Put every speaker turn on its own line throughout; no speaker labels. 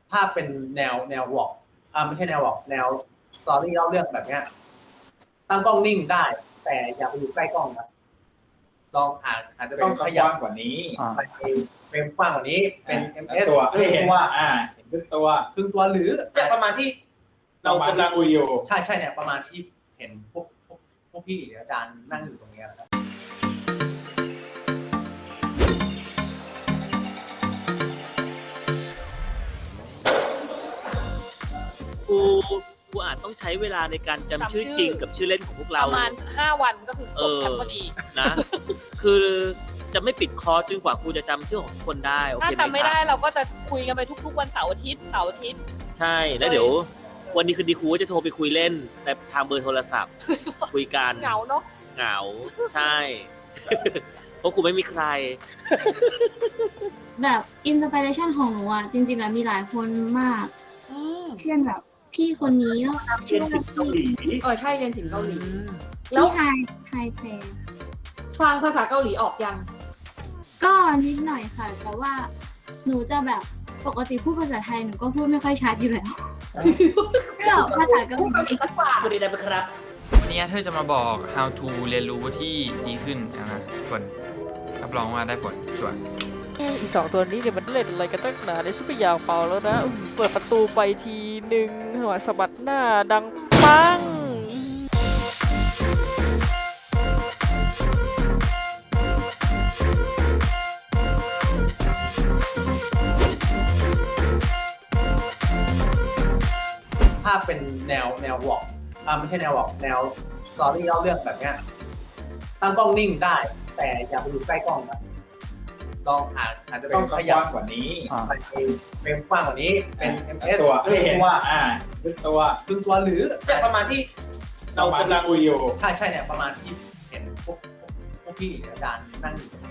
ภาพเป็นแนววอล์กไม่ใช่แนววอล์กแนวสตอรี่เล่าเรื่องแบบเนี้ยตั้งกล้องนิ่งได้แต่อย่าไปอยู่ใกล้กล้องนะลองอาจจะต้องขยับ
กว่านี้
ไปเฟรมกว้างกว่านี้เป็น ms
ตัว
ครึ่งตัว
เห็นทุกตัว
ครึ่งตัวหรือประมาณที่เรากำลัง
คุยอยู่
ใช่เนี่ยประมาณที่เห็นพวกพี่อาจารย์นั่งอยู่ตรงนี้นะครับ
กูอาจต้องใช้เวลาในการจำชื่อจริงกับชื่อเล่นของพวกเรา
ประมาณ5 วันก็คือจบแคมป์พอดี
นะ คือจะไม่ปิดคอร์สจนกว่าครูจะจำชื่อของทุกคนได้โอเคไหมครับ
ถ้าจำไม่ได้เราก็จะคุยกันไปทุกๆวันเสาร์อาทิตย์
ใช่แล้วเดี๋ยววันนี้คือดีครูจะโทรไปคุยเล่นแต่ทางเบอร์โทรศัพท์ คุยกัน
เหงาเนาะ
เหงาใช่ เพราะครูไม่มีใคร
แบบอินสปิเรชันของหนูอ่ะจริงๆแล้วมีหลายคนมากเช่นแบบพี่คนนี้ก็ชื่อว่าพี่
ใช่เรียนศิลป์เกาหลี
แล้วไฮเพลง
ฟังภาษาเกาหลีออกยัง
ก็นิดหน่อยค่ะแต่ว่าหนูจะแบบปกติพูดภาษาไทยหนูก็พูดไม่ค่อยชัดอยู่แล้วก็ภาษาเกาหลี
สักกว่าพอดีได้ไหมครับ
วันนี้เธอจะมาบอก how to เรียนรู้ที่ดีขึ้นนะทุกคนรับรองว่าได้ผลชัวร์
อีก2 ตัวนี้เนี่ยมันเล่นอะไรกันตั้งนานเนี่ยฉันไม่อยากเป่าแล้วนะเปิดประตูไปทีหนึ่งหัวสะบัดหน้าดังปัง
ภาพเป็นแนววอล์กไม่ใช่แนววอล์กแนวสตอรี่เล่าเรื่องแบบเนี้ยตั้งกล้องนิ่งได้แต่อย่าไปอยู่ใกล้กล้องนะลองอาจจะต้องขยับ
กว่านี้
ไปเฟรมกว้างกว่านี้เป็น ms
ตัว
ครึ่งตัว
ทุกตัว
ครึ่งตัวหรือประมาณที่เรากำลัง
คุยอยู่
ใช่เนี่ยประมาณที่เห็นพวกพี่อาจารย์นั่งอยู่ตรงนี้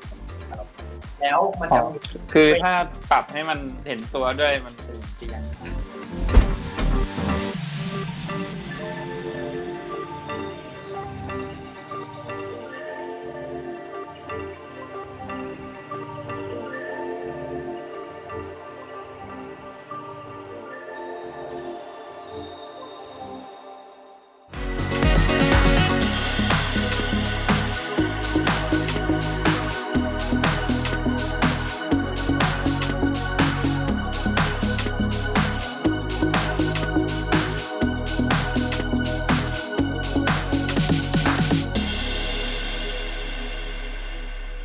นะครับแล้วมันจะ
คือถ้าปรับให้มันเห็นตัวด้วยมันจะเตียง